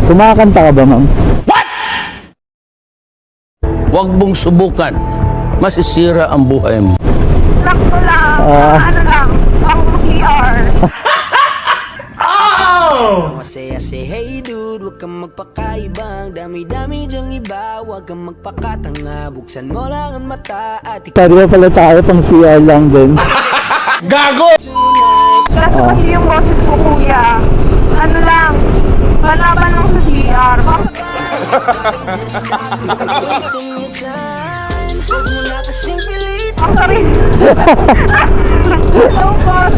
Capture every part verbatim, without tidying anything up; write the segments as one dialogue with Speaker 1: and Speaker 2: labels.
Speaker 1: Kumakanta ka ba, ma'am?
Speaker 2: Huwag mong subukan. Masisira ang buhay mo.
Speaker 3: Sakto lang.
Speaker 1: Ah.
Speaker 3: Ano lang. Pang C R.
Speaker 4: Masaya say hey dude, huwag kang magpakaibang. Dami-dami dyang iba, huwag kang magpakatanga. Buksan mo lang ang mata at
Speaker 1: Pwede ba pala tayo pang C R lang din?
Speaker 2: Gago!
Speaker 3: Kasi kasi yung boses ko, kuya. Ano lang. Malaban lang sa C R.
Speaker 4: wasting your time. Huwag mo na kasing pilit.
Speaker 3: Ang sorry. Ang boss.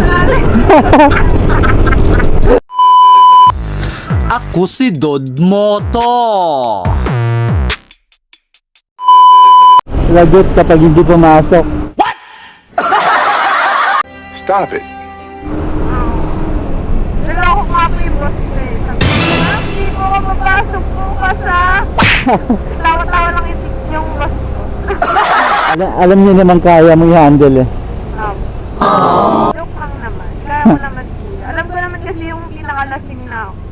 Speaker 5: Ako si Dodmoto.
Speaker 1: Lagot kapag hindi pumasok.
Speaker 6: Stop it.
Speaker 3: Niloko nga po yung boss ko eh. Sabi ko, "Ma'am, hindi po ako mapasok bukas ha." Tawa-tawa lang isip yung boss ko.
Speaker 1: Alam, alam niyo naman kaya mo i-handle eh.
Speaker 3: Um, joke lang naman. Kaya mo naman siya. Alam ko naman kasi yung pinakalasing na ako.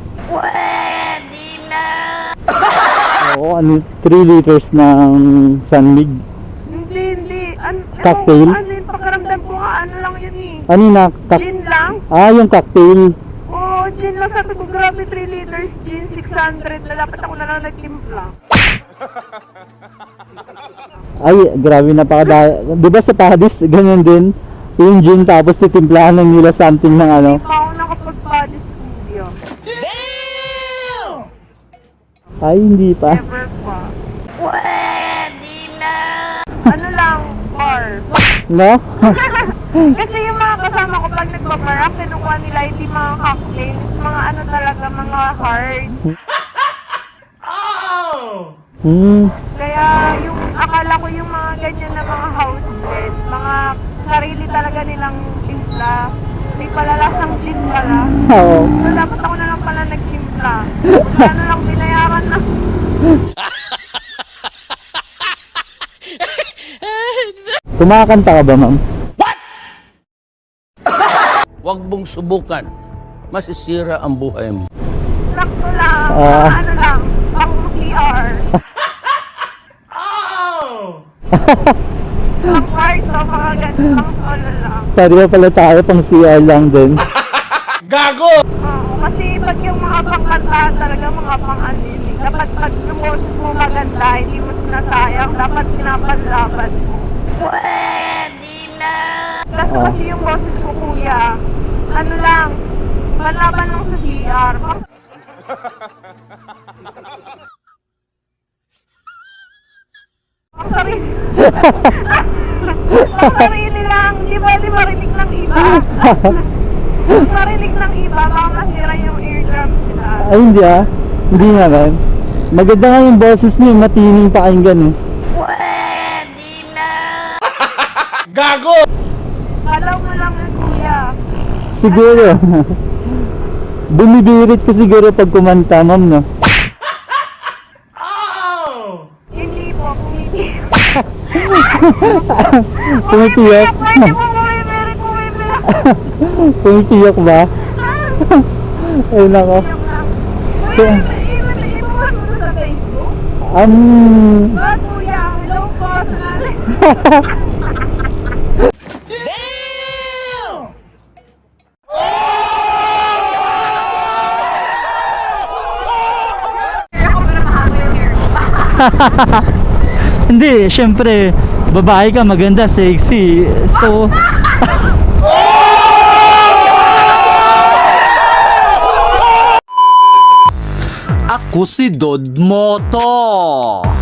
Speaker 1: Oo, ano, three liters ng Sanmig.
Speaker 3: Hindi, hindi. An
Speaker 1: Cocktail?
Speaker 3: Ano, ano yung pakiramdam ko nga, ano lang yun eh.
Speaker 1: Ano na? Kak-
Speaker 3: Gin lang?
Speaker 1: ah, yung cocktail.
Speaker 3: Oo, gin lang. Sabi ko, grabe, three liters, gin, six hundred. Lalapat ako na lang nagtimpla.
Speaker 1: Ay, grabe napakadaya. Di ba sa Padis, ganyan din? Yung gin tapos titimplahan ng nila something ng ano.
Speaker 3: Hindi pa ako nakapag-body studio.
Speaker 1: Ay, hindi pa.
Speaker 3: Never pa. Ano lang, bar.
Speaker 1: No?
Speaker 3: Kasi yung mga kasama ko pag nagbabar, ang kinukuha nila hindi mga cocktails, mga ano talaga, mga hard.
Speaker 1: Hmm.
Speaker 3: Kaya yung akala ko yung mga ganyan na mga house blend, mga sarili talaga nilang timpla. May palalasang gin pala.
Speaker 1: Oo.
Speaker 3: So dapat ako na lang pala nagtimpla. Ano lang binayaran na.
Speaker 1: Kumakanta ka ba, ma'am?
Speaker 2: Huwag mong subukan. Masisira ang buhay mo.
Speaker 3: Sakto lang.
Speaker 1: Ah.
Speaker 3: Ano lang. Pang C R. Pang kwarto, mga ganun. Pang solo lang.
Speaker 1: Pwede ba pala tayo pang C R lang din?
Speaker 2: Gago!
Speaker 3: Oo, kasi pag yung mga pangkantahan talaga, mga pang-anili. Dapat pag yung boses mo maganda, hindi mo sinasayang. Dapat pinapanlaban mo. Pwede na! Kasi
Speaker 1: Ah.
Speaker 3: kasi yung boses ko, kuya, ano lang, malaban lang sa C R. Ang sarili. Ang sarili lang. Di ba, di marinig ng iba? Ang marinig ng iba, baka masira yung eardrums nila.
Speaker 1: Ay, hindi ah. Hindi naman. Maganda nga yung boses mo, yung matining pakinggan eh.
Speaker 2: Gago!
Speaker 3: Kalaw mo lang yun, kuya.
Speaker 1: Siguro. Bumibirit ka siguro pag kumanta, ma'am, no?
Speaker 3: Hindi po, pumiti.
Speaker 1: Pumitiyak.
Speaker 3: Pwede po bumibirit, bumibirit.
Speaker 1: Pumitiyak ba? Ay, nako.
Speaker 3: Yung lang. Kuya, ibukas mo sa Facebook?
Speaker 1: Um,
Speaker 3: Ba, kuya, hello po, sanali.
Speaker 1: hindi, syempre, babae ka, maganda, sexy. So,
Speaker 5: Ako si Dodmoto.